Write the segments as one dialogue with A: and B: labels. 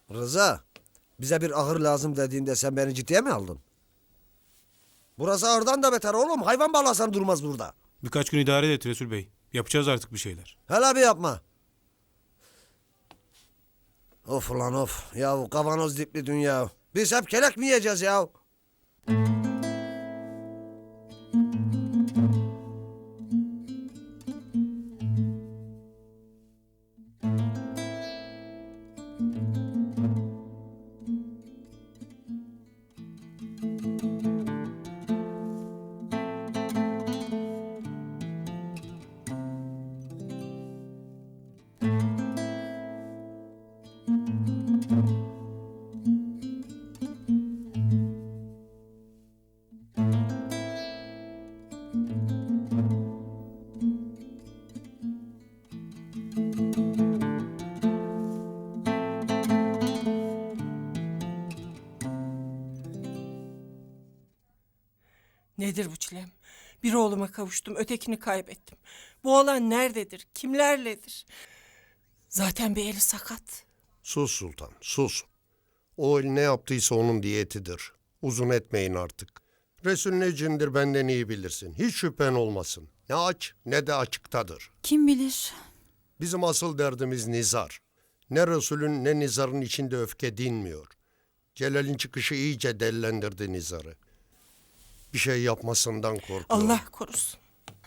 A: Rıza, bize bir ahır lazım dediğinde sen beni ciddiye mi aldın? Burası ahırdan da beter oğlum. Hayvan bağlasan durmaz burada.
B: Birkaç gün idare et Resul Bey. Yapacağız artık bir şeyler.
A: Hele bir yapma. Of ulan of. Yahu kavanoz dipli dünya. Biz hep kelek mi yiyeceğiz ya?
C: Nedir bu çilem? Bir oğluma kavuştum, ötekini kaybettim. Bu oğlan nerededir, kimlerledir? Zaten bir eli sakat.
D: Sus sultan, sus. O el ne yaptıysa onun diyetidir. Uzun etmeyin artık. Resul ne cindir benden iyi bilirsin. Hiç şüphen olmasın. Ne aç ne de açıktadır.
E: Kim bilir?
D: Bizim asıl derdimiz nizar. Ne Resul'ün ne nizarın içinde öfke dinmiyor. Celal'in çıkışı iyice dellendirdi nizarı. Bir şey yapmasından korkuyorum.
C: Allah korusun.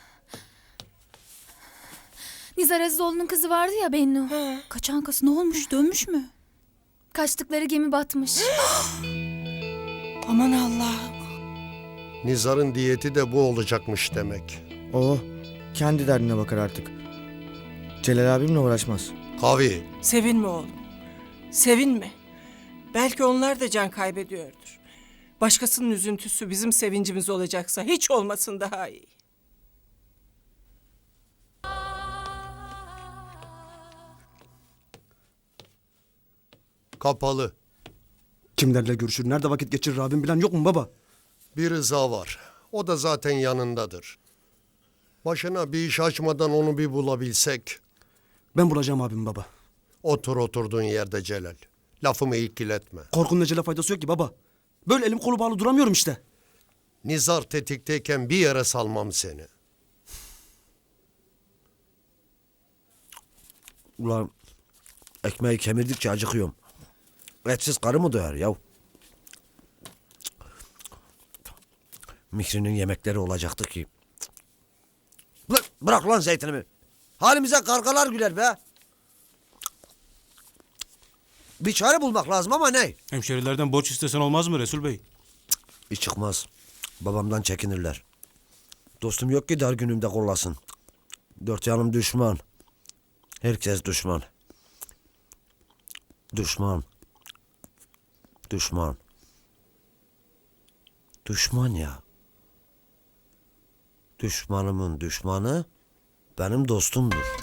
E: Nizar Azizoğlu'nun kızı vardı ya Bennu.
C: Ha.
E: Kaçan kız ne olmuş? Dönmüş mü? Kaçtıkları gemi batmış.
C: Aman Allah'ım.
D: Nizar'ın diyeti de bu olacakmış demek.
F: O kendi derdine bakar artık. Celal abimle uğraşmaz.
D: Kavi,
C: Sevinme oğlum. Sevinme. Belki onlar da can kaybediyordur. Başkasının üzüntüsü bizim sevincimiz olacaksa hiç olmasın daha iyi.
D: kapalı.
G: Kimlerle görüşür, nerede vakit geçirir abim bilen yok mu baba?
D: Bir Rıza var. O da zaten yanındadır. Başına bir iş açmadan onu bir bulabilsek.
G: Ben bulacağım abim baba.
D: Otur oturduğun yerde Celal. Lafımı ilgiletme.
G: Korkunun ecele faydası yok ki baba. Böyle elim kolu bağlı duramıyorum işte.
D: Nizar tetikteyken bir yere salmam seni.
A: Ulan ekmeği kemirdikçe acıkıyorum. Etsiz karı mı doyar yav? Mihri'nin yemekleri olacaktı ki. Lan bırak lan zeytinimi. Halimize kargalar güler be. Bir çare bulmak lazım ama ne?
B: Hemşerilerden borç istesen olmaz mı Resul Bey?
A: Bir çıkmaz. Babamdan çekinirler. Dostum yok ki dar günümde kollasın. Dört yanım düşman. Herkes düşman. Düşman. Düşman. Düşman ya. Düşmanımın düşmanı benim dostumdur.